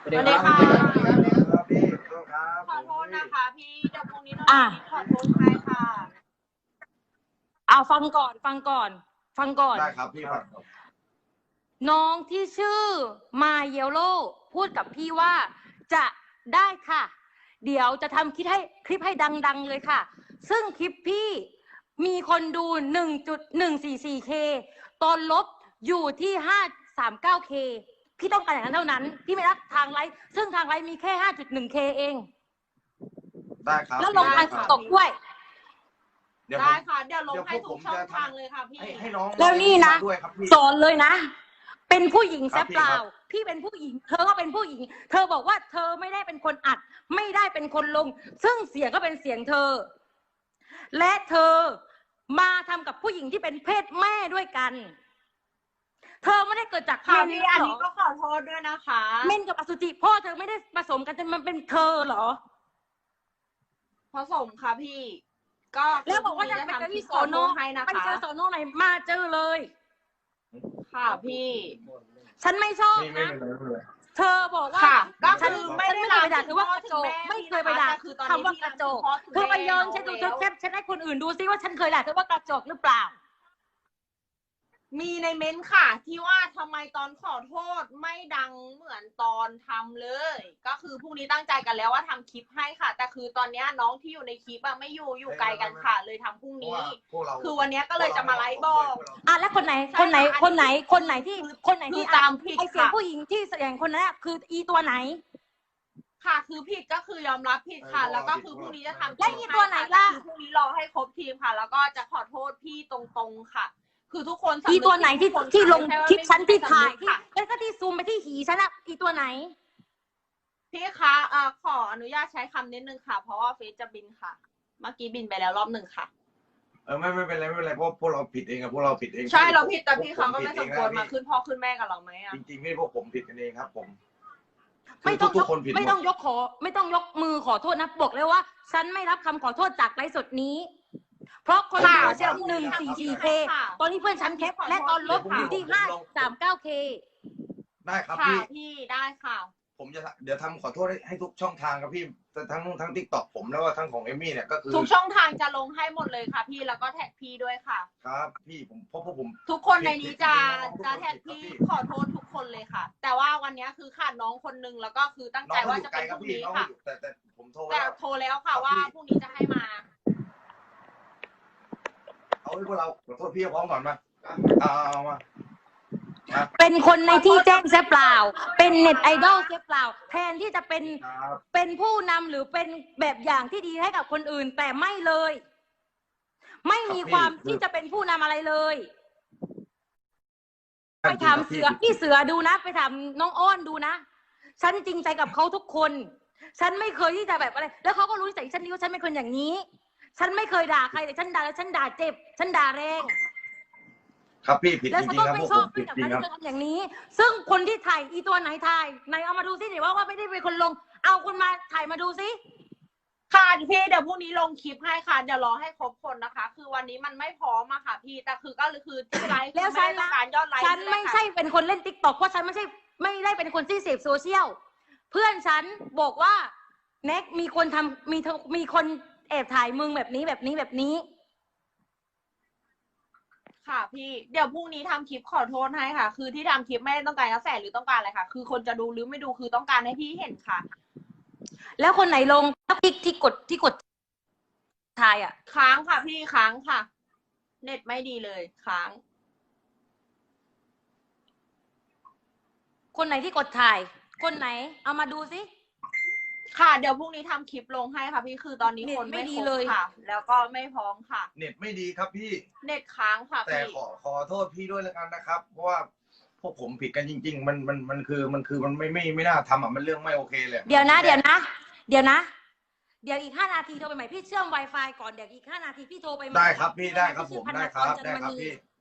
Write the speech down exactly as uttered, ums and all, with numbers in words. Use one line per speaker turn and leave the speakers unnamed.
สวัสดีค่ะ
พี่ครับ
ขอโทษนะคะพี่เดี๋ยวพรุ่งนี้เราขอโทษใครค่ะ
เอาฟังก่อนฟังก่อน ฟังก่อน
ได้ครับพี่ฟัง
น้องที่ชื่อมาเยลโลพูดกับพี่ว่าจะได้ค่ะ เดี๋ยวจะทำคลิปให้คลิปให้ดังๆเลยค่ะ ซึ่งคลิปพี่มีคนดู หนึ่งจุดหนึ่งสี่สี่เค ตอนลบอยู่ที่ ห้าร้อยสามสิบเก้าเค พี่ต้องการอย่างนั้นเท่านั้น พี่ไม่รับทางไลฟ์ซึ่งทางไลฟ์มีแค่ ห้าจุดหนึ่งเค เอง
ได้ครับ
แล้วลงทางตกด้วย
ได้ค่ะเดี๋ยวลงให้ทุกช่องทางเลยค่ะพี่
ให้น้อง
แล้วนี่นะ
ด้วยครับพี่
สอนเลยนะ เป็นผู้หญิงแซบเปล่า
ครับ
พี่เป็นผู้หญิง เธอก็เป็นผู้หญิง เธอบอกว่าเธอไม่ได้เป็นคนอัด ไม่ได้เป็นคนลง ซึ่งเสียงก็เป็นเสียงเธอ และเธอมาทำกับผู้หญิงที่เป็นเพศแม่ด้วยกัน เธอไม่ได้เกิดจาก
ค่ะ
เมน
พี่
หร
อัน
อ
นี้ก็ขอโทษด้วยนะคะ
เมนกับอสุจิพ่อเธอไม่ได้ผสมกันจนมันเป็นเธอเหรอ
ผสมค่ะพี่ ก็
แล้วบอกว่าจะไปเจอที่โซโน
ให้นะ
ไป
คะ
เจอโซโนไหนมาเจอเลย
ค่ะพี่
ฉันไม่ชอบ
ไม่ไม่
นะ
เป็นไรไม่เป็นไร
เธอบอกว่า
ค่ะก็
ฉัน
คือ
ไม่
ไม่
ได้
ได้
เคยไปด่าเธอว่ากระจกไม่เคยไปด่า
คือตอน
คำ
นี้
ว่ากระจก
พี่
เธอไปย้อน
คุณ
ฉันดู
แม่
เธอแคปฉันให้คนอื่นดูซิว่าฉันเคยด่าเธอว่ากระจกหรือเปล่า
มีในเม้นต์ค่ะ ที่ว่าทำไมตอนขอโทษไม่ดังเหมือนตอนทำเลย ก็คือพรุ่งนี้ตั้งใจกันแล้วว่าทำคลิปให้ค่ะ แต่คือตอนนี้น้องที่อยู่ในคลิปอะไม่อยู่อยู่ไกลกันค่ะ เลยทำพรุ่งนี้
พวกเรา
คือวันนี้ก็เลยจะมาไลฟ์บอก
อ่ะแล้วคนไหน
ใช่
คนไหน
ค่ะ
คนไหน
อันนี้
คนไหนที่คนไหน
คื
ที่
อตามผิด
ไอเสียง
ค่ะ
ผู้หญิงที่แสดงคนนั้นอะคืออีตัวไหน
ค่ะคือผิดก็คือยอมรับผิดค่ะ แล้วก็คือพรุ่งนี้จะทำ
แล้วอีตัวไหนล่ะ
คือพรุ่งนี้รอให้ครบทีมค่ะ แล้วก็จะขอโทษพี่ตรงๆค่ะ คือทุกคนสำนึก
อีตัวไหนที่
ทุกคน
ที่ลง
ไม่ใช่ว่า
คลิปฉันที่ถ่าย
ไม่มี
ที่
ใครสำนึกค่ะ
แล้วก็ที่ซูมไปที่หีฉันอะอีตัวไหน
พี่คะเอ่อขออนุญาตใช้คำนิดนึงค่ะ เพราะว่าเฟซจะบินค่ะ เมื่อกี้บินไปแล้วรอบหนึ่งค่ะ
เออไม่ไม่เป็นไรไม่เป็นไรเพราะพวกเราผิดเองอะพวกเราผิดเอง
ใช่เราผิดแต่พี่เขาก็
ผ
ไม่
ผิ
ส
ด
ม
เอง
ควร
นะ
มาขึ้นพ่อขึ้นแม่กับเราไหมอ่ะ
จริงๆไม่พวกผมผิดกันเองครับ ผม
ไม่ต้อง
ทุ
ย
ก
ก
คนผิดหมด
ไม่ต้องยกขอ ไม่ต้องยกมือขอโทษนะบอกเลยว่า ฉันไม่รับคำขอโทษจากไลฟ์สดนี้ เพราะคน
ค่ะ
ขอเชื่อหนึ่งสี่สี่เคตอนนี้เพื่อนฉันแคปและตอนลบอยู่ที่ห้าสามเก้าเค
ได้ครับ
ค่ะ
พี่
พี่ได้ค่ะ
ผมจะเดี๋ยวทำขอโทษให้ให้ทุกช่องทางครับพี่ทั้งทั้งทิกตอกผมแล้วก็ทั้งของเอมมี่เนี่ยก็คือ
ทุกช่องทางจะลงให้หมดเลยค่ะ พี่แล้วก็แท็กพี่ด้วยค่ะ
ครับพี่ผมเพราะพวกผม
ทุกคนในนี้จะ
ทุกคน
จะแท็ก
ทุกคน
พี่ขอโทษทุกคนเลยค่ะ แต่ว่าวันนี้คือขาดน้องคนนึงแล้วก็คือตั้ง
น้อ
ใจ
งเขา
ว่า
อยู่
จะ
ไกล
เป็น
ค
พ
รับ
รุ่ง
พี่
นี้
น้อง
ค่ะ
อยู่แต่แต่ผมโทร
แต่
แล้ว
โทรแล้วค่ะ
ครับ
ว่า
พี่
พรุ่งนี้จะให้มา
เอาให้พวกเราขอโทษพี่พร้อมก่อนมาเอาเอามา
เป็นคนในที่แจ้งเสียเปล่า เป็นเน็ตไอดอลเสียเปล่า แทนที่จะเป็น
ครับ
เป็นผู้นำหรือเป็นแบบอย่างที่ดีให้กับคนอื่น แต่ไม่เลย ไม่มีความที่จะเป็นผู้นำอะไรเลย ไปถามเสือพี่เสือดูนะ ไปถามน้องอ้อนดูนะ ฉันจริงใจกับเขาทุกคน ฉันไม่เคยที่จะแบบอะไร แล้วเขาก็รู้นิสัยฉันดีว่าฉันเป็นคนอย่างนี้ ฉันไม่เคยด่าใครแต่ฉันด่าแล้วฉันด่าเจ็บ ฉันด่าแรง
ครับพี่ผิด
แล้ว
จ
ฉัน
ริง
ก็
ๆครับ
ไม่
พวก
ช
ผ
อบ
ม
ด้ว
ผิ
ย
ด
กับ
จริง
การ
ครับ
ที่เธอทำอย่างนี้ ซึ่งคนที่ถ่ายอีตัวไหนถ่าย ในเอามาดูซิเดี๋ยวว่าว่าไม่ได้เป็นคนลง เอาคนมาถ่ายมาดูซิ
ค่ะพี่เดี๋ยวพรุ่งนี้ลงคลิปให้ค่ะเดี๋ยวรอให้ครบคนนะคะ คือวันนี้มันไม่พร้อมอะค่ะ พี่แต่คือก็คือที่ไลฟ์
แล้ว
ไม่
ฉัน
ได้ต้อ
นะ
งการยอดไลฟ์
ฉันไม่
เลยค่ะ
ใช่เป็นคนเล่นติ๊กต็อกเพราะฉันไม่ใช่ไม่ได้เป็นคนที่เสพโซเชียล เพื่อนฉันบอกว่าแน็กมีคนทำมีเธอมีคนแอบถ่ายมึงแบบนี้แบบนี้แบบนี้
ค่ะพี่เดี๋ยวพรุ่งนี้ทำคลิปขอโทษให้ค่ะ คือที่ทำคลิปไม่ได้ต้องการกระแสหรือต้องการอะไรค่ะ คือคนจะดูหรือไม่ดูคือต้องการให้พี่เห็นค่ะ
แล้วคนไหนลงที่ที่กดที่กดถ่ายอ่ะ
ค้างค่ะพี่ค้างค่ะ เน็ตไม่ดีเลยค้าง
คนไหนที่กดถ่าย คนไหน เอามาดูซิ
ค่ะเดี๋ยวพรุ่งนี้ทำคลิปลงให้ค่ะพี่คือตอนนี้คน
เน็ตไม่
ไม่
ดี
ครบ
เลย
ค่ะ แล้วก็ไม่พร้อมค่ะ
เน็ตไม่ดีครับพี่
เน็ตค้างค่ะ
แต่
พี่
ขอขอโทษพี่ด้วยแล้วกันนะครับ เพราะว่าพวกผมผิดกันจริง ๆ มันมันมันคือมันคือมันไม่ไม่ไม่น่าทำอ่ะมันเรื่องไม่โอเคเลย
เดี๋ยวนะ เดี๋ยวนะ เดี๋ยวนะ เดี๋ยวอีกห้านาทีโทรไปใหม่พี่เชื่อม Wi-Fi ก่อนเดี๋ยวอีกห้านาทีพี่โทรไปใหม่
ได้ครับพี่ได้ครับผม
ชื่อพัน
ได้
น
ครับ
จัน
ได้
ม
ครับ
ณี
พี่